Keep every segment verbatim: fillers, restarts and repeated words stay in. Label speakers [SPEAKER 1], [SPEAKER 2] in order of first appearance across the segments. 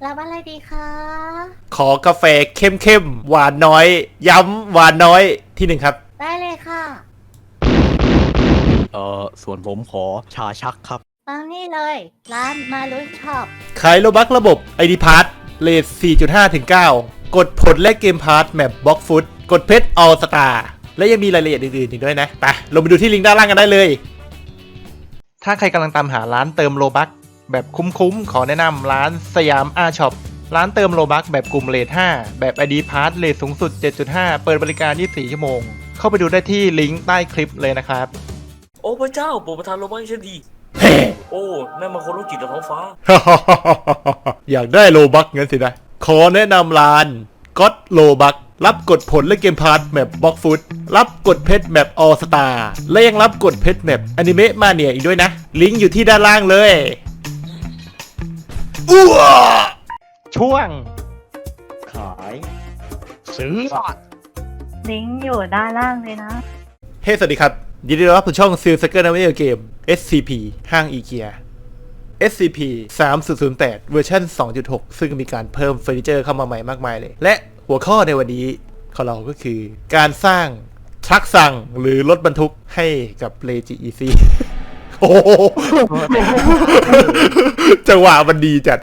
[SPEAKER 1] รับอะไรดีคะ
[SPEAKER 2] ขอกาแฟเข้มๆหวานน้อย ย้ำหวานน้อยที่หนึ่งครับ
[SPEAKER 1] ได้เลยค่ะ
[SPEAKER 3] เอ่อส่วนผมขอชาชักครับ
[SPEAKER 1] ตามนี่เลย ร้านมาลุยช็อป
[SPEAKER 2] ขายโลบักระบบ ไอ ดี Pass เลท สี่จุดห้า ถึง เก้า กดผลและเกมพาร์ทแมปบล็อกฟุตกดเพชรออลสตาร์และยังมีรายละเอียดอื่นๆอีกด้วยนะ ไปลงไปดูที่ลิงก์ด้านล่างกันได้เลย ถ้าใครกำลังตามหาร้านเติมโลบักแบบคุ้มๆ ขอแนะนำร้านสยามอาช็อปร้านเติมโลบักแบบกลุ่มเลทห้าแบบ ไอ ดี Pass เลทสูงสุด เจ็ดจุดห้า เปิดบริการ ยี่สิบสี่ ชั่วโมง เข้าไปดูได้ที่ลิงก์ใต้คลิปเลยนะครับ
[SPEAKER 4] โอ้พระเจ้าโปรดประทานโลบักให้ฉันดีโอ้นั่นมันคนรู้จิตจากท้องฟ้า
[SPEAKER 2] อยากได้โลบักงั้นสินะ ขอแนะนำร้านก็ตโลบักรับกดผลและเกมพาร์ทแมปบล็อกฟุตรับกดเพชรแมปออสตาและยังรับกดเพชรแมปอนิเมะมาเนียอีกด้วยนะ ลิงก์อยู่ที่ด้านล่างเลยอ้วช่วง
[SPEAKER 3] ขายซื้อ
[SPEAKER 1] ลิงก์อยู่ด้านล่างเลยนะ
[SPEAKER 2] เฮ้ สวัสดีครับ ยินดีต้อนรับสู่ช่องซิลสเกอร์นวิดีโอเกม เอส ซี พี ห้างอีเกีย เอส ซี พี สามศูนย์ศูนย์แปด เวอร์ชัน สองจุดหก ซึ่งมีการเพิ่มเฟอร์นิเจอร์เข้ามาใหม่มากมายเลย และหัวข้อในวันนี้ของเราก็คือการสร้างทรัคสั่งหรือรถบรรทุกให้กับเลจิอีซีโอ้โหจังหวะมันดีจัด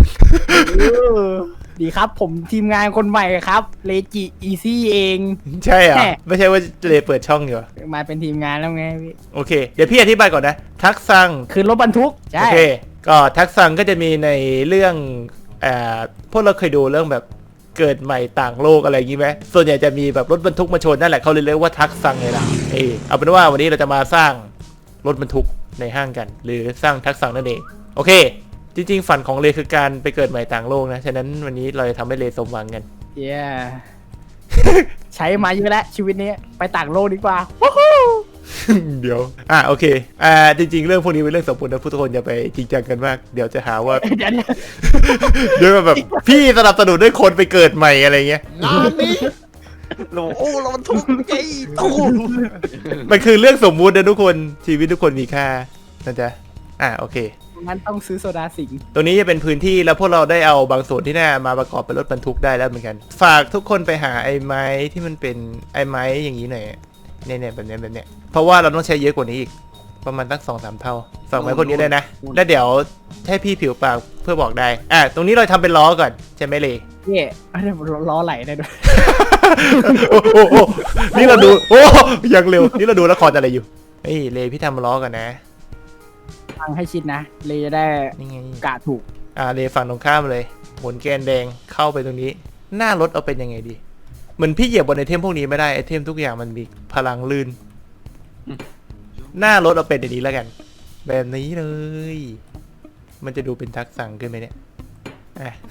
[SPEAKER 5] ดีครับผมทีมงานคนใหม่ครับเลจิอีซี่เอง
[SPEAKER 2] ใช่เหรอ
[SPEAKER 5] แน่
[SPEAKER 2] ไม่ใช่ว่าเลเปิดช่องอยู่เหรอ
[SPEAKER 5] มาเป็นทีมงานแล้วไงพี่
[SPEAKER 2] โอเค เดี๋ยวพี่อธิบายก่อนนะ ทักสั่ง
[SPEAKER 5] คือรถบรรทุกใช่
[SPEAKER 2] โอเค ก็ทักษะก็จะมีในเรื่องเอ่อพวกเราเคยดูเรื่องแบบเกิดใหม่ต่างโลกอะไรอย่างงี้ไหมส่วนใหญ่จะมีแบบรถบรรทุกมาชนนั่นแหละเขาเลยเรียกว่าทักษะไงล่ะเออเอาเป็นว่าวันนี้เราจะมาสร้างรถบรรทุกในห้างกัน หรือสร้างทักษะนั่นเอง โอเค จริงๆฝันของเลคือการไปเกิดใหม่ต่างโลกนะ ฉะนั้นวันนี้เราจะทำให้เลสมหวังกัน
[SPEAKER 5] เย้ใช้มาเยอะแล้วชีวิตนี้ไปต่างโลกดีกว่า
[SPEAKER 2] เดี๋ยว อ่ะโอเค อ่า จริงๆ เรื่องพวกนี้เป็นเรื่องสมบูรณ์นะทุกคนอย่าไปจริงจังกันมาก เดี๋ยวจะหาว่า
[SPEAKER 5] เดี๋ยวเดี๋ยว
[SPEAKER 2] เดี๋ยวแบบพี่สนับสนุนด้วยคนไปเกิดใหม่อะไรเงี้ย
[SPEAKER 3] งานนี้โลโอ้เรามันทุกข์ใจตู้
[SPEAKER 2] มันคือเรื่องสมมุตินะทุกคนชีวิตทุกคนมีค่านะจ๊ะอ่ะโอเค
[SPEAKER 5] งั้นต้องซื้อโซดาสิงห์
[SPEAKER 2] ตรงนี้จะเป็นพื้นที่แล้วพวกเราได้เอาบางส่วนที่น่ามาประกอบเป็นรถบรรทุกได้แล้วเหมือนกัน ฝากทุกคนไปหาไอ้ไม้ที่มันเป็นไอ้ไม้อย่างนี้หน่อยเนี่ยเนี่ยแบบเนี้ยแบบเนี้ยเพราะว่าเราต้องใช้เยอะกว่านี้อีกประมาณตั้งสองสามเท่าฝากไม้พวกนี้ได้นะแล้วเดี๋ยวให้พี่ผิวปากเพื่อบอกได้อ่ะตรงนี้เราทำเป็นล้อก่อนใช่ไหมเลย
[SPEAKER 5] เย่เดี๋ยวล้อไหลได้ด้วย
[SPEAKER 2] โอ้โหโอ้โหนี่เราดูโอ้ยังเร็วนี่เราดูละครอะไรอยู่เฮ้ยเลยพี่ทำล้อกันนะ
[SPEAKER 5] ฟังให้ชิดนะ เลยจะได้
[SPEAKER 2] นี่ไง
[SPEAKER 5] กะถูก
[SPEAKER 2] อ่าเลฝั่งตรงข้ามเลยหมุนแกนแดงเข้าไปตรงนี้ หน้ารถเอาเป็นยังไงดีเหมือนพี่เหยียบบนไอเทมพวกนี้ไม่ได้ไอเทมทุกอย่างมันมีพลังลื่น หน้ารถเอาเป็นอย่างนี้แล้วกัน แบบนี้เลย มันจะดูเป็นทักษะขึ้นไหมเนี่ยอ่ะ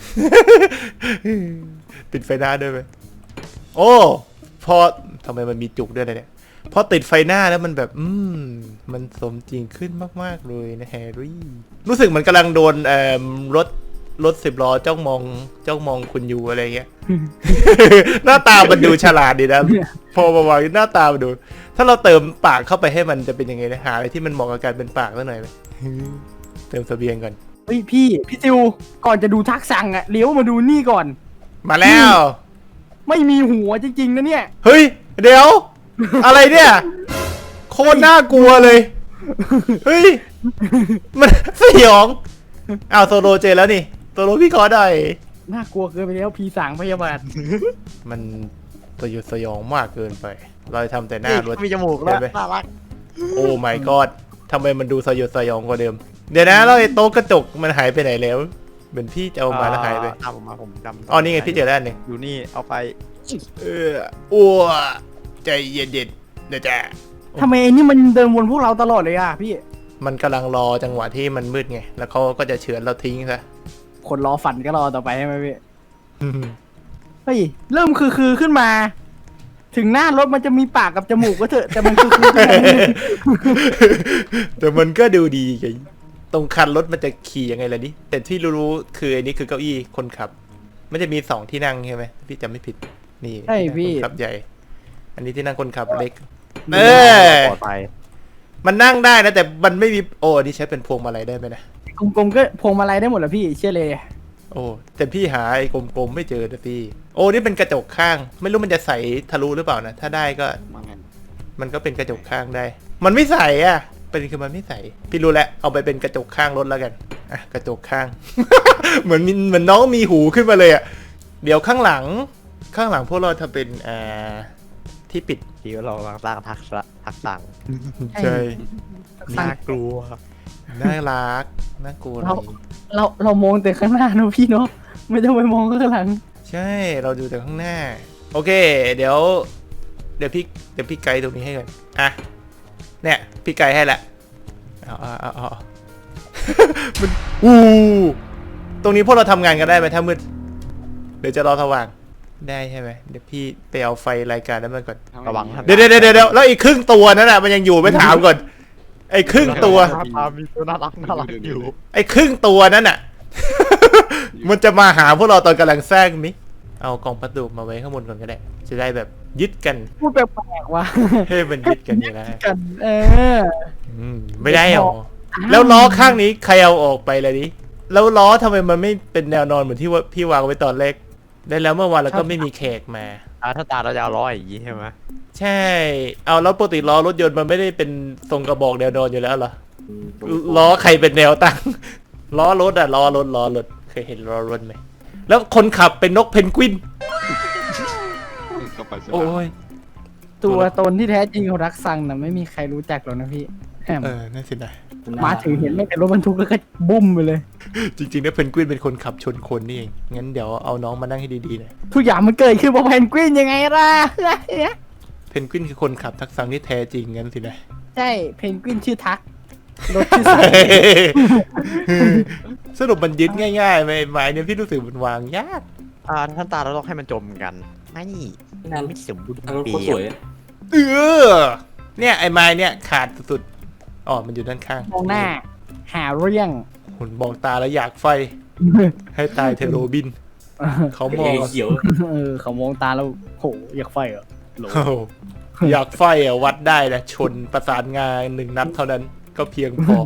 [SPEAKER 2] ปิดไฟหน้าด้วยไหมโอ้พอทำไมมันมีจุกด้วยเลยเนี่ยพอติดไฟหน้าแล้วมันแบบ อืมมันสมจริงขึ้นมากๆเลยนะแฮร์รี่รู้สึกเหมันกำลังโดนเอ่อรถรถสิบล้อจ้องมองจ้องมองคุณอยู่อะไรเงี้ย หน้าตามันดูฉลาดดีนะ พอมาวางหน้าตามันดู ถ้าเราเติมปากเข้าไปให้มันจะเป็นยังไงนะหาอะไรที่มันเหมาะกับการเป็นปากสักหน่อยไหม เติมเสบียงก่อน
[SPEAKER 5] เฮ้ยพี่พี่ซิวก่อนจะดูทักสั่งอะเลี้ยวมาดูนี่ก่อน
[SPEAKER 2] มาแล้ว
[SPEAKER 5] ไม่มีหัวจริงๆนะเนี่ย
[SPEAKER 2] เฮ้ย เดี๋ยว อะไรเนี่ย โคตรน่ากลัวเลย เฮ้ย มันสยองอ้าวโซโลเจอแล้วนี่โซโลพี่ขอได้
[SPEAKER 5] น่ากลัวเกินไปแล้วพีสางพยาบาล
[SPEAKER 2] มันสยดสยองมากเกินไป เราทำแต่หน้ารถ
[SPEAKER 3] มีจมูกแล้ว
[SPEAKER 2] เห็นไหม
[SPEAKER 3] น่ารัก
[SPEAKER 2] โอ้ my god ทำไมมันดูสยดสยองกว่าเดิม เดี๋ยวนะแล้วไอ้โต๊ะกระจกมันหายไปไหนแล้วเหมือนพี่จะเอามาแล้วหายไป
[SPEAKER 3] เอามาผมจำ
[SPEAKER 2] อ๋อนี่ไงพี่เจอแล้วอันหนึ่ง
[SPEAKER 3] อยู่นี่เอาไป
[SPEAKER 2] เอออ้วใจเย็นๆเดี๋ยวจ้ะ
[SPEAKER 5] ทำไมไอ้นี่มันเดินวนพวกเราตลอดเลยอะพี่
[SPEAKER 2] มันกำลังรอจังหวะที่มันมืดไง แล้วเขาก็จะเฉือนเราทิ้งซะ
[SPEAKER 5] คนรอฝันก็รอต่อไปใช่ไหมพี่ เฮ้ย เริ่มคือคือขึ้นมา ถึงหน้ารถมันจะมีปากกับจมูกก็เถอะ แต่มันคือคือ
[SPEAKER 2] แต่มันก็ดูดีไงตรงคันรถมันจะขี่ยังไงล่ะนี่แต่ที่รู้ๆคืออันนี้คือเก้าอี้คนขับ มันจะมีสองที่นั่งใช่ไหมพี่จำไม่ผิด นี่
[SPEAKER 5] ใช่
[SPEAKER 2] ที่นั่ง
[SPEAKER 5] พี่
[SPEAKER 2] คนขับใหญ่ อันนี้ที่นั่งคนขับเล็ก เอ
[SPEAKER 3] เอ
[SPEAKER 2] อ
[SPEAKER 3] ปลอดภัย
[SPEAKER 2] มันนั่งได้นะแต่มันไม่มีโอ้อันนี่ใช้เป็นพวงมาลัยได้ไหมนะ
[SPEAKER 5] กลมๆก็พวงมาลัยได้หมดแหละพี่เชื่อเลย
[SPEAKER 2] อโอ้แต่พี่หาไอ้กลมๆไม่เจอนะพี่โอ้นี่เป็นกระจกข้าง ไม่รู้มันจะใสทะลุหรือเปล่านะถ้าได้ก็
[SPEAKER 3] มางั้น
[SPEAKER 2] มันก็เป็นกระจกข้างได้ มันไม่ใสอ่ะเป็นคือมันไม่ใสพี่รู้แล้วเอาไปเป็นกระจกข้างรถแล้วกันอ่ะกระจกข้าง เหมือนมีเหมือนน้องมีหูขึ้นมาเลยอ่ะเดี๋ยวข้างหลังข้างหลังพวกเราทำเป็นอ่าที่ปิด
[SPEAKER 3] ที่เรากำลังสร้างทักษะทักษะ
[SPEAKER 2] ใช่
[SPEAKER 3] น่ากลัว
[SPEAKER 2] น่ารักน่ากลัวเล
[SPEAKER 5] เรา
[SPEAKER 2] ย
[SPEAKER 5] เราเรามองแต่ข้างหน้าเนอะพี่เนาะไม่ต้องไปมองข้างหลัง
[SPEAKER 2] ใช่เราดูแต่ข้างหน้า โอเค เดี๋ยว เดี๋ยวพี่เดี๋ยวพี่ไกด์ตรงนี้ให้ก่อนอ่ะเนี่ยพี่ไกด์ให้ละเอาเอาเอาเอา มันอู้ตรงนี้พวกเราทำงานกันได้ไหมถ้ามืดเดี๋ยวจะรอสว่างได้ใช่ไหมเดี๋ยวพี่ไปเอาไฟรายการนั้นมาก่อน
[SPEAKER 3] ระวังครับ
[SPEAKER 2] เดี๋ยวเดี๋ยวเดี๋ยวเดี๋ยวแล้วอีกครึ่งตัวนั่นน่ะมันยังอยู่ไม่ถามก่อนไอ้ครึ่งตัว
[SPEAKER 3] มีตัวน่ารักน่ารักอยู่
[SPEAKER 2] ไอ้ครึ่งตัวนั่นน่ะ มันจะมาหาพวกเราตอนกำลังแซงมิเอากล่องพัสดุมาไว้ข้างบนก่อนก็ได้ จะได้แบบยึดกัน
[SPEAKER 5] พูดแปลกๆว่ะ
[SPEAKER 2] ให้มันยึดกันอยู่แล้ว
[SPEAKER 5] กัน เออ
[SPEAKER 2] อืมไม่ได้หรอแล้วล้อข้างนี้ใครเอาออกไปเลยดิแล้วล้อทำไมมันไม่เป็นแนวนอนเหมือนที่ว่าพี่วางไว้ตอนแรกได้แล้วเมื่อวานเราก็ไม่มีแขกมา
[SPEAKER 3] อ่าถ้าตาเราจะเอาร้อยอย่างนี้ใช่ไหม
[SPEAKER 2] ใช่ เอาแล้วปกติล้อรถยนต์มันไม่ได้เป็นทรงกระบอกแนวนอนอยู่แล้วเหรอล้อใครเป็นแนวตั้ง ล้อรถอะล้อรถล้อรถเคยเห็นล้อรถไหมแล้วคนขับเป็นนกเพนกวินโอ้ย
[SPEAKER 5] ตัวตนที่แท้จริงของรักซังนะไม่มีใครรู้จักหรอกนะพี่แอม
[SPEAKER 2] เออนั่นสินะ
[SPEAKER 5] มาถึงเห็นไม่เป็นรถบรรทุกแล้วก็บุ้มไปเลย
[SPEAKER 2] จริงๆแล้วเพนกวินเป็นคนขับชนคนนี่เองงั้นเดี๋ยวเอาน้องมานั่งให้ดีๆหน่อย
[SPEAKER 5] ทุกอย่างมันเกิดขึ้นเพราะเพนกวินยังไงล่ะ
[SPEAKER 2] เพนกวินคือคนขับทักษะที่แท้จริงงั้นสินะ
[SPEAKER 5] ใช่เพนกวินชื่อทักรถชื่อซัง
[SPEAKER 2] สรุปมันยึดง่ายๆไหมไม้เนี่ยพี่รู้สึกมันวางยาก
[SPEAKER 3] อ่าท่านตาเราต้องให้มันจมกันไม่มันไม่สมบูรณ์
[SPEAKER 4] ทางรถ
[SPEAKER 3] เปี
[SPEAKER 4] โคตรสวย
[SPEAKER 3] ย
[SPEAKER 4] อะ
[SPEAKER 2] เออเนี่ยไอ้ไม้เนี่ยขาดสุดๆอ๋อมันอยู่ด้านข้าง
[SPEAKER 5] มองหน้า หาเรื่อง
[SPEAKER 2] หุ่นมองตาแล้วอยากไฟ ให้ตายเทโรบิน เขามอง
[SPEAKER 4] ไอ้เขียว
[SPEAKER 5] เออเขามองตาแล้วโหอยากไฟเหรอโหล
[SPEAKER 2] โอ้โหอยากไฟอ่ะวัดได้นะชนประสานงานหนึ่งนัดเท่านั้นก็เพียงพอ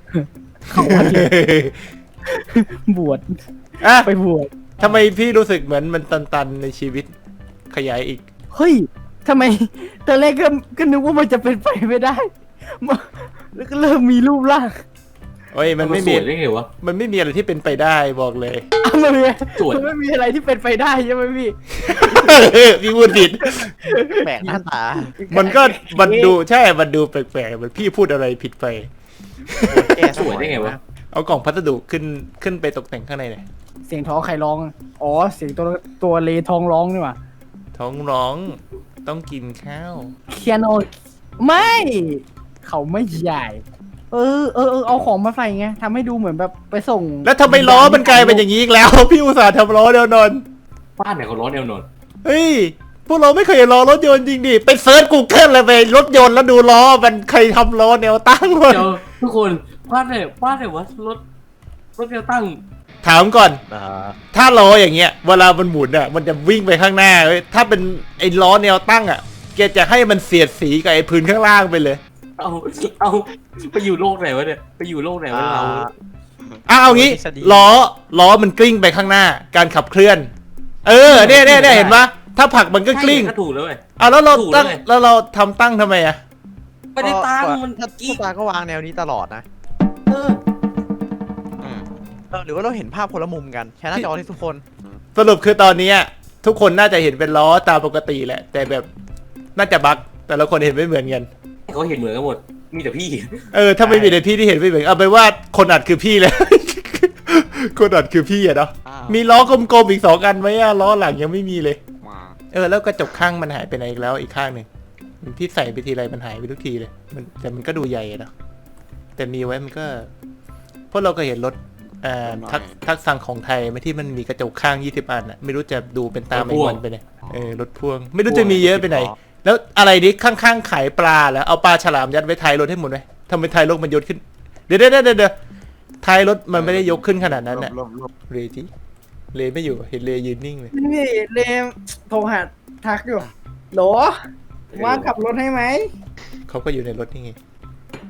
[SPEAKER 5] บวช
[SPEAKER 2] อ่ะ
[SPEAKER 5] ไปบวช
[SPEAKER 2] ทำไมพี่รู้สึกเหมือนมันตันๆในชีวิตขยายอีก
[SPEAKER 5] เฮ้ยทำไมตอนแรกก็ก็นึกว่ามันจะเป็นไปไม่ได้มาแล้วก็เริ่มมีรูปร่าง
[SPEAKER 2] เฮ้ยมัน
[SPEAKER 4] มัน
[SPEAKER 2] ไม่
[SPEAKER 4] ส
[SPEAKER 2] มี
[SPEAKER 4] วยได้ไงวะ
[SPEAKER 2] มันไม่มีอะไรที่เป็นไปได้บอกเลย
[SPEAKER 5] อ่ะมันมี
[SPEAKER 4] สวย
[SPEAKER 5] มันไม่มีอะไรที่เป็นไปได้ใช่ไหมพี่
[SPEAKER 2] พี่พูดผิด
[SPEAKER 3] แปลกหน้าตา
[SPEAKER 2] มันก็มันดูใช่ มันดูแปลกๆเหมือนพี่พูดอะไรผิดไป
[SPEAKER 3] แก้
[SPEAKER 4] สวยได้ไงวะ
[SPEAKER 2] เอากล่องพัสดุขึ้นขึ้นไปตกแต่งข้างในหน่อย
[SPEAKER 5] เสียงท้องใครร้อง อ๋อ เสียงตัวตัวเลท้องร้องนี่หว่า
[SPEAKER 2] ท้องร้องต้องกินข้าว
[SPEAKER 5] เคียโนไม่ เขาไม่ใหญ่ เออเออเออเอาของมาใส่ไงทำให้ดูเหมือนแบบไปส่ง
[SPEAKER 2] แล้วทำไมล้อมันกลายเป็นอย่างนี้อีกแล้ว พี่อุตส่าห์ทำล้อเดียวนอน
[SPEAKER 4] บ้านไหนเขาร้อนแนวนอน
[SPEAKER 2] เฮ้ย พวกเราไม่เคยเห็นล้อรถยนต์จริงดิไปเซิร์ชกูเกิลเลยไปรถยนต์แล้วดูล้อมันใครทำล้อแนวตั้งวะ
[SPEAKER 4] เดี๋ยวทุกคนบ้านไหนบ้านไหนวะรถรถแนวตั้ง
[SPEAKER 2] ถามก่อน
[SPEAKER 3] อ่า
[SPEAKER 2] ถ้าล้ออย่างเงี้ยเวลามันหมุนอ่ะมันจะวิ่งไปข้างหน้าเว้ยถ้าเป็นไอ้ล้อแนวตั้งอ่ะแกจะให้มันเสียดสีกับไอ้พื้นข้างล่างไปเลย
[SPEAKER 4] เอาเอาไปอยู่โลกไหนวะเนี่ยไปอยู่โลกไหนวะเรา
[SPEAKER 2] อ่ะเอางี้ล้อล้อมันกลิ้งไปข้างหน้า การขับเคลื่อน เออเนี่ยเนี่ยเนี่ยเห็นปะถ้าผลักมันก็กลิ้ง
[SPEAKER 4] ใช่ก็ถูกแล้วเว้ย
[SPEAKER 2] อ่ะแล้วเรา
[SPEAKER 4] ถูก
[SPEAKER 2] ตั้ง
[SPEAKER 4] เลย
[SPEAKER 2] แล้วเราทำตั้งทำไมอ่ะ
[SPEAKER 4] ไม่ได้ตั้งมัน
[SPEAKER 3] ถ้า
[SPEAKER 4] กี้
[SPEAKER 3] ตาก็วางแนวนี้ตลอดนะ
[SPEAKER 4] เออ
[SPEAKER 3] อืมเออหรือว่าเราเห็นภาพคนละมุมกันแชร์หน้าจอที่ทุกคน
[SPEAKER 2] สรุปคือตอนนี้ทุกคนน่าจะเห็นเป็นล้อตามปกติแหละ แต่แบบน่าจะบั๊กแต่ละคนเห็นไม่เหมือนกัน
[SPEAKER 4] เขาเห็นเหมือนกันหมดมีแต่พี่
[SPEAKER 2] เออถ้าไม่มีในพี่ที่เห็นไม่เหมือนเอาไปนว่าคนอัดคือพี่เลย คนอัดคือพี่อะเนาะมีล้อกลมๆอีกสองอันไหมอะล้อหลังยังไม่มีเลย เออแล้วกระจกข้างมันหายไปไหนอีกแล้วอีกข้างหนึ่งพี่ใส่ไปทีไรมันหายไปทุกทีเลยมันแต่มันก็ดูใหญ่อะเนาะแต่มีไว้มันก็เพราะเราก็เห็นรถอ่าทักทักสั่งของไทยไม่ที่มันมีกระจกข้างยี่สิบอันอะไม่รู้จะดูเป็นตาไม่มันไปไหนเออรถพ่วง ไม่รู้จะมีเยอะไปไหน แล้วอะไรนี้ข้างๆขายปลาแล้วเอาปลาฉลามยัดไว้ท้ายรถให้หมดไหมทำไมท้ายรถมันยกขึ้นเดี๋ยวเดี๋ยวเดี๋ยวเดี๋ยวท้ายรถมันไม่ได้ยกขึ้นขนาดนั้นน่ะเลจิเลไม่อยู่เห็นเลยืนนิ่งเลย
[SPEAKER 5] นี่เลมโทรหาทักอยู่โหลว่างขับรถให้ไหม
[SPEAKER 2] เขาก็อยู่ในรถนี่ไง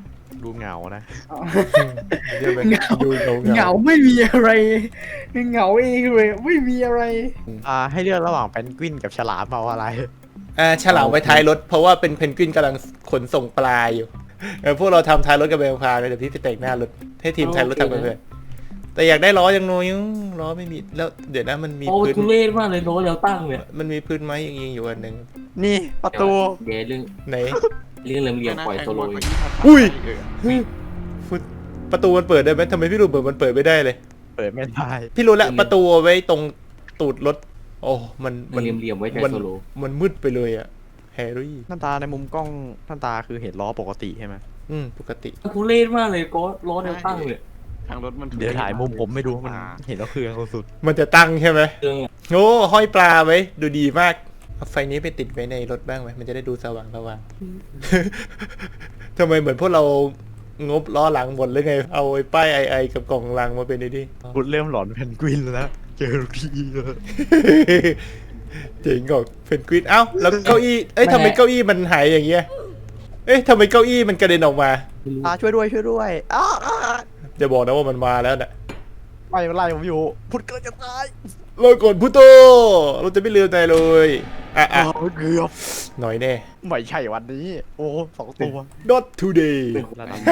[SPEAKER 3] ดูเหงานะ
[SPEAKER 2] เดี๋ยวมันดูเหงา
[SPEAKER 5] เหงาไม่มีอะไรเหงาเองเลยไม่มีอะไร
[SPEAKER 3] อ่าให้เลือกระหว่างแพนกวินกับฉลามเอาอะไร
[SPEAKER 2] อ่าฉลามไว้ท้ายรถเพราะว่าเป็นเพนกวินกำลังขนส่งปลาอยู่เออพวกเราทำท้ายรถกับแบงพาเลยเดี๋ยวพี่ไปแต่งหน้ารถให้ทีมท้ายรถทำไปเพื่อนแต่อยากได้ล้อยังน้อยอยู่ล้อไม่มีแล้วเดี๋ยวนะมันมี
[SPEAKER 4] โอ้
[SPEAKER 2] พื้น
[SPEAKER 4] ทุเรศมากเลยโน้ตแล้วตั้งเนี่ย
[SPEAKER 2] มันมีพื้นไม้ยิงๆอยู่อันหนึ่ง
[SPEAKER 3] นี่ประตู
[SPEAKER 4] เดี๋ยวเรื่อง
[SPEAKER 2] ไหน
[SPEAKER 4] เรื่องเหลี่ยมๆปล่อยโซโลอยู่
[SPEAKER 2] อุ้ยฟุตประตูมันเปิดได้ไหมทำไมพี่รู้เปิดมันเปิดไม่ได้เลย
[SPEAKER 3] เปิดไม่ได้
[SPEAKER 2] พี่รู้แล้วประตูเอาไว้ตรงตูดรถโอ้มัน
[SPEAKER 4] มันเหลี่ยมๆไว้ใจ
[SPEAKER 2] มัน
[SPEAKER 4] โซโล
[SPEAKER 2] มันมืดไปเลยอะแฮร์รี่
[SPEAKER 3] หน้าตาในมุมกล้องหน้าตาคือเห็นล้อปกติใช่ไหม
[SPEAKER 2] อืมปกติ
[SPEAKER 4] ทุเรศมากเลยโก็ล้อแนวตั้งเลย
[SPEAKER 6] ทางรถมัน
[SPEAKER 3] เดี๋ยวถ่ายมุมผมไม่ดูมันเห็นแล้วเครื่องสุด
[SPEAKER 2] มันจะตั้งใช่ไหม
[SPEAKER 4] เครื่อง
[SPEAKER 2] โอ้ห้อยปลาไว้ดูดีมากเอาไฟนี้ไปติดไว้ในรถบ้างไหมมันจะได้ดูสว่างสว่าง ทำไมเหมือนพวกเรางบล้อหลังหมดเลยไง เอาไอ้ป้ายไอไอกับกล่องลังมาเป็นไอ้นี่
[SPEAKER 3] ๆคุณเริ่มหลอนแพนกวินแล้วเจอทีเลย
[SPEAKER 2] เจ๋งกว่าเพนกวินเอ้าแล้วเก้าอี้เอ้ยทำไมเก้าอี้มันหายอย่างเงี้ยเอ้ยทำไมเก้าอี้มันกระเด็นออกมา
[SPEAKER 3] อ่าช่วยด้วยช่วยด้วยอ้า
[SPEAKER 2] จะบอกนะว่ามันมาแล้วน่ะ
[SPEAKER 3] ไล่ไล่ผมอยู่พุดเกินจะตาย
[SPEAKER 2] รอก่อนพุโตเราจะไม่ลืมใจเลยอ่ะอ่ะ
[SPEAKER 3] อ้าวเกือบ
[SPEAKER 2] หน่อยแน่
[SPEAKER 3] ไม่ใช่วันนี้ โอ้สองตัว
[SPEAKER 2] not today
[SPEAKER 3] ระดับ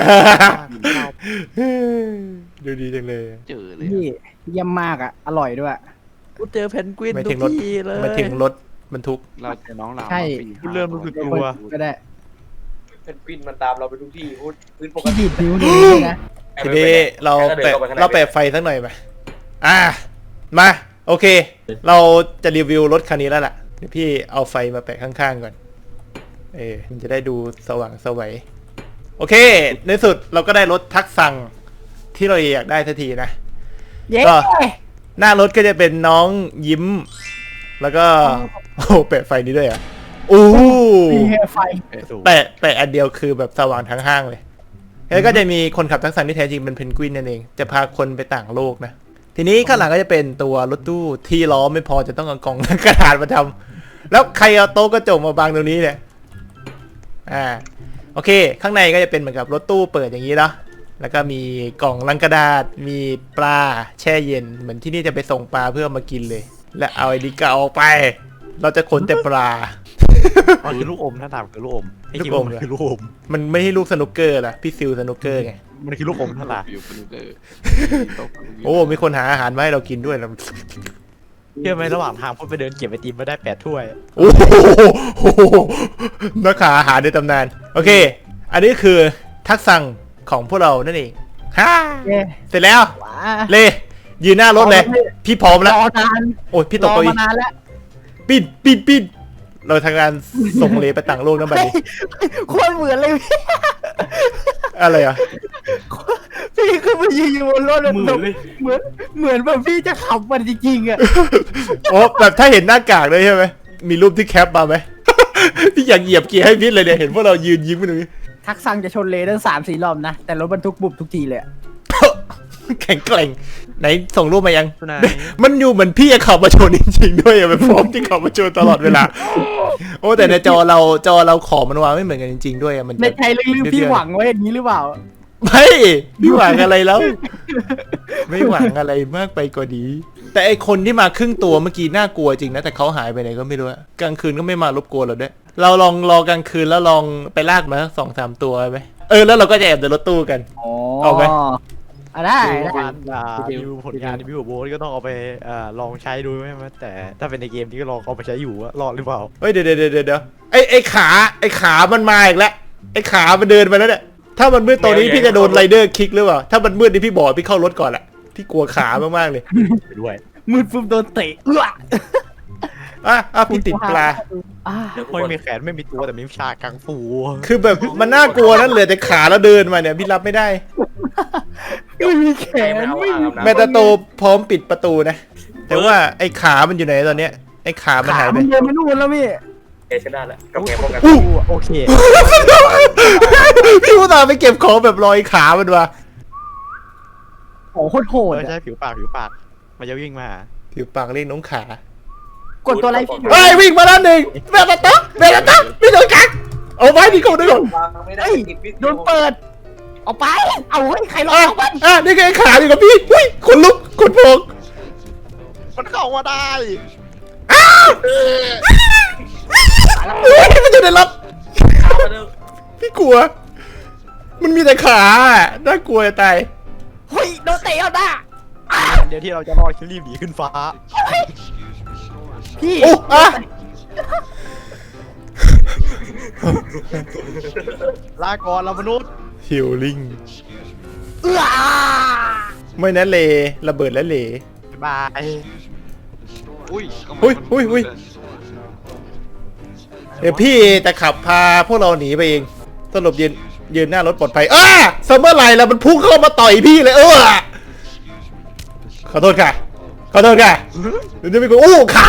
[SPEAKER 2] ดูดีจังเลย
[SPEAKER 6] เจอเลย
[SPEAKER 5] นี่เยี่ยมมากอ่ะอร่อยด้วย
[SPEAKER 3] กูเจอเพนกวิน
[SPEAKER 2] ไม่
[SPEAKER 3] ทุ
[SPEAKER 2] ถึ
[SPEAKER 3] ก
[SPEAKER 2] งรถ
[SPEAKER 3] ทีเลย
[SPEAKER 2] มาถึงรถบรรทุก
[SPEAKER 6] เราเจอน้องเรา
[SPEAKER 5] ใช่
[SPEAKER 3] กูเริ่มรู้สึกกลัว
[SPEAKER 5] ก็ได้
[SPEAKER 4] เป็นกวินมันตามเราไปทุกที่พูดพื้นปก
[SPEAKER 5] พี่
[SPEAKER 4] ติ
[SPEAKER 5] ดีดนิ้วเลยนะ
[SPEAKER 2] ทีนี้เราแปะเราแปะไฟสักหน่อยไหมอ่ะมาโอเค เราจะรีวิวรถคันนี้แล้วล่ะเดี๋ยวพี่เอาไฟมาแปะข้างๆก่อนเออมันจะได้ดูสว่างสวัยโอเค ในสุดเราก็ได้รถทักสั่งที่เราอยากได้ทันทีนะ
[SPEAKER 5] เย้
[SPEAKER 2] ก็ หน้ารถก็จะเป็นน้องยิ้ม แล้วก็โอ้แปะไฟนี้ด้วยอ่ะโอ้
[SPEAKER 5] มีไฟ
[SPEAKER 2] แปะแปะอันเดียวคือแบบสว่างทั้งห้างเลย แล้วก็จะมีคนขับทักษะที่แท้จริงเป็นเพนกวินนั่นเอง จะพาคนไปต่างโลกนะ ทีนี้ข้างหลังก็จะเป็นตัวรถตู้ที่ล้อไม่พอจะต้องเอากล่องกระดาษมาทำแล้วใครเอาโต๊ะกระจกมาบังตรงนี้เนี่ย อ่า โอเค ข้างในก็จะเป็นเหมือนกับรถตู้เปิดอย่างนี้เนาะ แล้วก็มีกล่องลังกระดาษ มีปลาแช่เย็น เหมือนที่นี่จะไปส่งปลาเพื่อมากินเลย และเอาไอ้ดิกาออกไป เราจะขนแต่ปลา
[SPEAKER 3] มันคือลูกอมถ้าถามคือลูกอมไอ้
[SPEAKER 2] ลู
[SPEAKER 3] คิ
[SPEAKER 2] ก
[SPEAKER 3] ด
[SPEAKER 2] อ
[SPEAKER 3] ว่าม มันคือลูกอม
[SPEAKER 2] มันไม่ให้ลูกสนุกเกอร์ล่ะ พี่ซิลสนุกเกอร์ไง
[SPEAKER 3] มันคือลูกอมถ้าถาม
[SPEAKER 6] อยู่ปนูเกอร์
[SPEAKER 2] โอ้ มีคนหาอาหารมาให้เรากินด้วยแล้ว
[SPEAKER 3] เชื่อไหมระหว่างทางพูดไปเดินเก็บไอติมมาได้แปดถ้วย
[SPEAKER 2] โอ้โหนักขาอาหารในตำนาน โอเค อันนี้คือทักษะของพวกเรานั่นเองฮ่า
[SPEAKER 5] เย้
[SPEAKER 2] เสร็จแล้ว
[SPEAKER 5] ว้า
[SPEAKER 2] เลยืนหน้ารถเลย พี่พร้อมแล้ว
[SPEAKER 5] รอนาน
[SPEAKER 2] โอ้ยพี่ต
[SPEAKER 5] ร
[SPEAKER 2] ก
[SPEAKER 5] อ
[SPEAKER 2] เก้าอี้
[SPEAKER 5] มานานแล้ว
[SPEAKER 2] ปิดปิดปิดเราทำงานส่งเลไปต่างโลกนั่นแบบนี้
[SPEAKER 5] โคตรเหมือนเลยพี่
[SPEAKER 2] อะไรอ่ะ
[SPEAKER 5] พี่ขึ้นมายืนอยู่บนรถ
[SPEAKER 4] มือเลย
[SPEAKER 5] เหมือนเหมือนแบบพี่จะขับมันจริงๆอ่ะ
[SPEAKER 2] โอ้แบบถ้าเห็นหน้ากากเลยใช่ไหมมีรูปที่แคปมาไหม พี่อยากเหยียบเกียร์ให้พิษเลยเนี่ยเห็นพวกเรายืนยิ้มกันตรงนี้
[SPEAKER 5] ทักซังจะชนเลตั้งสามสี่รอบนะ แต่รถบรรทุกบุบทุกทีเลยอะ
[SPEAKER 2] แข็งแกร่งไหนส่งรูปมายัง
[SPEAKER 3] ไหน
[SPEAKER 2] มันอยู่เหมือนพี่จะขับมาชนจริงๆด้วยอะมันพร้อมที่ขับมาชนตลอดเวลา โอ้แต่ในจอเราจอเราขอมันวางไม่เหมือนกันจริงๆด้วยอะมัน
[SPEAKER 5] ในใจลึกๆพี่หวังไว้อย่างนี้หรือเปล่า
[SPEAKER 2] ไม่พี่หวังอะไรแล้ว ไม่หวังอะไรมากไปกว่านี้ แต่ไอคนที่มาครึ่งตัวเมื่อกี้น่ากลัวจริงนะแต่เขาหายไปไหนก็ไม่รู้อะกลางคืนก็ไม่มารบกวนเราด้วยเราลองรอกลางคืนแล้วลองไปลากมาสักสองสามตัวไหมเออแล้วเราก็จะแอบในรถตู้กัน
[SPEAKER 5] อ๋อ
[SPEAKER 2] เอาไหม
[SPEAKER 5] อ่ะได้
[SPEAKER 3] ดู
[SPEAKER 5] ได้
[SPEAKER 3] งานอ่ารีวิวผลงานรีวิวโบสก็ต้องเอาไปอ่าลองใช้ดูไหมครับแต่ถ้าเป็นในเกมที่ก็ลองเอาไปใช้อยู่ว่ารอดหรือเปล่า
[SPEAKER 2] เฮ้ยเดี๋ยวเดี๋ยวเดี๋ยวเดี๋ยวไอไอขาไอขามันมาอีกแล้วไอขามันเดินไปแล้วเนี่ยถ้ามันมืดตอนนี้พี่จะโดนไรเดอร์คิกหรือเปล่าถ้ามันมืดนี่พี่บอกพี่เข้ารถก่อนแหละพี่กลัวขามากๆเลย
[SPEAKER 3] ไปด้วย
[SPEAKER 5] มืดปุ๊บโดนเตะเอื้อ
[SPEAKER 2] อ่ะอ่ะพี่ติดปลา
[SPEAKER 5] อ่ะ
[SPEAKER 4] เดี๋ยว
[SPEAKER 3] ไม่มีแขนไม่มีตัวแต่มีวิชากังฟู
[SPEAKER 2] คือแบบมันน่ากลัวนั่นเหลือแต่ขาแล้วเดินมาเนี่ยพี่รับไม่ได้
[SPEAKER 5] ไม่มีแขน
[SPEAKER 4] ไม่เอา
[SPEAKER 5] ไม่มี
[SPEAKER 4] อาบ
[SPEAKER 2] แมตาโตพร้อมปิดประตูนะ แต่ว่าไอ้ขามันอยู่ไหนตอนเนี้ยไอ้ขามัน
[SPEAKER 5] ขา
[SPEAKER 2] หายไป
[SPEAKER 5] มันเดินมานู่นแล้วพี่
[SPEAKER 4] เอชนะแล้วกับแกป้องกัน
[SPEAKER 2] อู้
[SPEAKER 3] โอเค
[SPEAKER 2] พี่อุตส่าห์ไปเก็บของแบบรอยขามันวะ
[SPEAKER 5] โอ้โหโคตรโหด
[SPEAKER 3] ไม่
[SPEAKER 5] อะ
[SPEAKER 3] ใช่ผิวปากผิวปากมันจะวิ่งมาหา
[SPEAKER 2] ผิวปากเรียกน้องขาก
[SPEAKER 5] ดตัวอะไรพี่
[SPEAKER 2] เฮ้ยวิ่งมาแล้วหนึ่งแมตาโตแมตาโตไม่โดนกักเอาไว้ดีก่อนดีก่อน
[SPEAKER 4] วางไม่ได้
[SPEAKER 5] เฮ้ย
[SPEAKER 4] ติดวิทย์
[SPEAKER 5] โดนเปิดเอาไป เอาเฮ้ยใครรอ
[SPEAKER 2] อ่ะ
[SPEAKER 5] เอามัน
[SPEAKER 2] อ่ะนี่ไงขาอยู่กับพี่อุ้ยขนลุกขนพอง
[SPEAKER 3] มันเข้ามาได้
[SPEAKER 2] เฮ้ยมันอยู่ในรถ
[SPEAKER 4] ขามาเร็ว
[SPEAKER 2] พี่กลัว มันมีแต่ขาอะน่ากลัวจะตาย
[SPEAKER 5] เฮ้ยโดนเตะเอาหน้า
[SPEAKER 3] เดี๋ยวที่เราจะรอดคือรีบหนีขึ้นฟ้า
[SPEAKER 5] พี่
[SPEAKER 2] โอ้อะ
[SPEAKER 3] ลาก่อนเรามนุษย์
[SPEAKER 2] ฮิลลิ่ง
[SPEAKER 5] เอื้อ
[SPEAKER 2] ไม่นะเลระเบิดและเล
[SPEAKER 3] บ๊ายบาย
[SPEAKER 6] อุ้ย
[SPEAKER 2] อุ้ยอุ้ยอุ้ยเดี๋ยวพี่จะขับพาพวกเราหนีไปเองสรุปยืนยืนหน้ารถปลอดภัยอ้าซัมเมอร์ไลน์แล้วมันพุ่งเข้ามาต่อยพี่เลยเออขอโทษค่ะขอโทษค่ะเดี๋ยวจะไปกูอู้ขา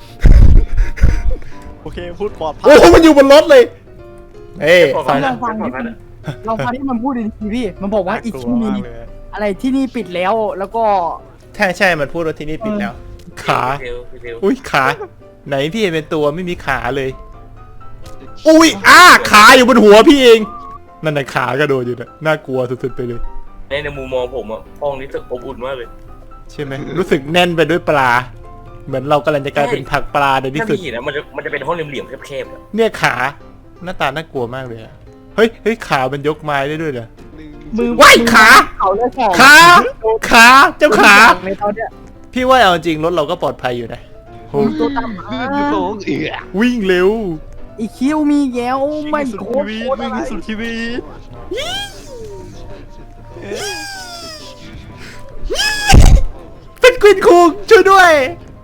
[SPEAKER 3] โอเคพูดปลอดภัย
[SPEAKER 2] โอ้มันอยู่บนรถเลยเอ้ยสอง
[SPEAKER 5] ลองฟังดิลองฟังที่มันพูดดีๆพี่ มันบอกว่าอีก
[SPEAKER 3] น่
[SPEAKER 5] ที่
[SPEAKER 3] ลั
[SPEAKER 5] มี
[SPEAKER 3] มากเลย
[SPEAKER 5] อะไรที่นี่ปิดแล้วแล้วก็
[SPEAKER 2] ใช่ใช่มันพูดว่าที่นี่ปิดแล้ว ขา
[SPEAKER 4] เร็วเร็ว
[SPEAKER 2] อุ้ยขา ไหนพี่เห็นเป็นตัวไม่มีขาเลย อุ้ยอ้าขาอยู่บนหัวพี่เองนั่นน่ะขากระโดดอยู่นะน่ากลัวสุดๆไปเลย
[SPEAKER 4] ในในมุมมองผมอ่ะห้องนี้รู้สึกอบอุ่นมากเลย
[SPEAKER 2] ใช่ไหมรู้สึกแน่นไปด้วยปลา เหมือนเรากำลังจะกลายเป็นผักปลาในที่
[SPEAKER 4] ถ้า
[SPEAKER 2] สุด
[SPEAKER 4] มีหินนะมันจะมันจะเป็นห้องเหลี่ยมๆแคบๆอะ
[SPEAKER 2] เนี่ยขาหน้าตาน่ากลัวมากเลยอะเฮ้ยเฮ้ยขามันยกไม้ได้ด้วยเหรอ
[SPEAKER 5] มือ
[SPEAKER 2] ว้ายขา
[SPEAKER 5] เขาเลยสอง
[SPEAKER 2] ขาขาเจ้าขา
[SPEAKER 5] ในตอนเนี้ย
[SPEAKER 2] พี่ว่าเอาจริงรถเราก็ปลอดภัยอยู่นะโห
[SPEAKER 5] ตัวต่ำ
[SPEAKER 6] ลื่นอยู่สองเอือ
[SPEAKER 2] วิ่งเร็ว
[SPEAKER 5] อีคิวมีแย้วไม่
[SPEAKER 3] สุด
[SPEAKER 5] โค
[SPEAKER 3] ชี
[SPEAKER 5] ตร
[SPEAKER 3] วิตวิ่งให้สุดชีวิต
[SPEAKER 2] เป็นกวินคุงช่วยด้วย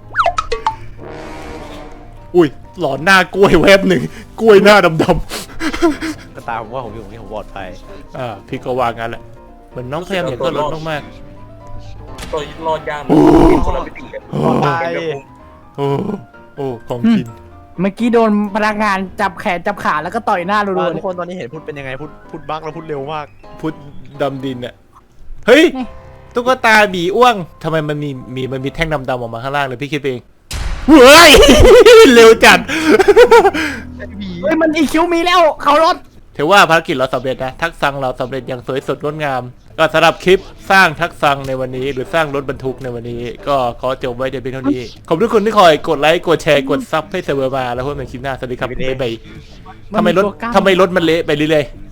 [SPEAKER 2] อุ้ยหลอนหน้ากล้วยแวบหนึ่งกล้วยหน้าดำ
[SPEAKER 3] ก็ตามผมว่าผมอยู่ตรงนี้ผมปลอดภัย
[SPEAKER 2] ๆอ่าพี่ก็วางงั้นแหละเหมือนน้องพยายามเห็นตัวรถมาก
[SPEAKER 4] ตัวรอดยาก
[SPEAKER 2] โอ้
[SPEAKER 4] เป็นคนละมิติกัน
[SPEAKER 2] ๆโอ้
[SPEAKER 3] ปลอดภัย
[SPEAKER 2] โอ้โอ้ของกิน
[SPEAKER 5] เมื่อกี้โดนพนักงานจับแขนจับขาแล้วก็ต่อยหน้ารัวๆ
[SPEAKER 3] ทุ
[SPEAKER 5] เล
[SPEAKER 3] ก
[SPEAKER 5] ย
[SPEAKER 3] คนตอนนี้เห็นพูดเป็นยังไงพูดพูดบักแล้วพูดเร็วมาก
[SPEAKER 2] พุทธดำดินอะเฮ้ย
[SPEAKER 5] นี่
[SPEAKER 2] ตุ๊กตาบีอ้วงทำไมมันมีมีมันมีแท่งดำๆออกมาข้างล่างเลยพี่คิดเองเฮ้ย เร็วจัด
[SPEAKER 5] เฮ้ยมันอีคิวมีแล้วเขารถ
[SPEAKER 2] ถือว่าภารกิจเราสำเร็จนะทักษะเราสำเร็จอย่างสวยสดงดงาม ก็สำหรับคลิปสร้างทักษะในวันนี้ หรือสร้างรถบรรทุกในวันนี้ ก็ขอจบไว้แต่เพียงเท่านี้ ขอบคุณทุกคนที่คอยกดไลค์กดแชร์กดซับให้เสมอมาแล้วพบกันในคลิปหน้าสวัสดีครับบ๊ายบายทำไมรถทำไมรถมันเละไปเรื่อยๆ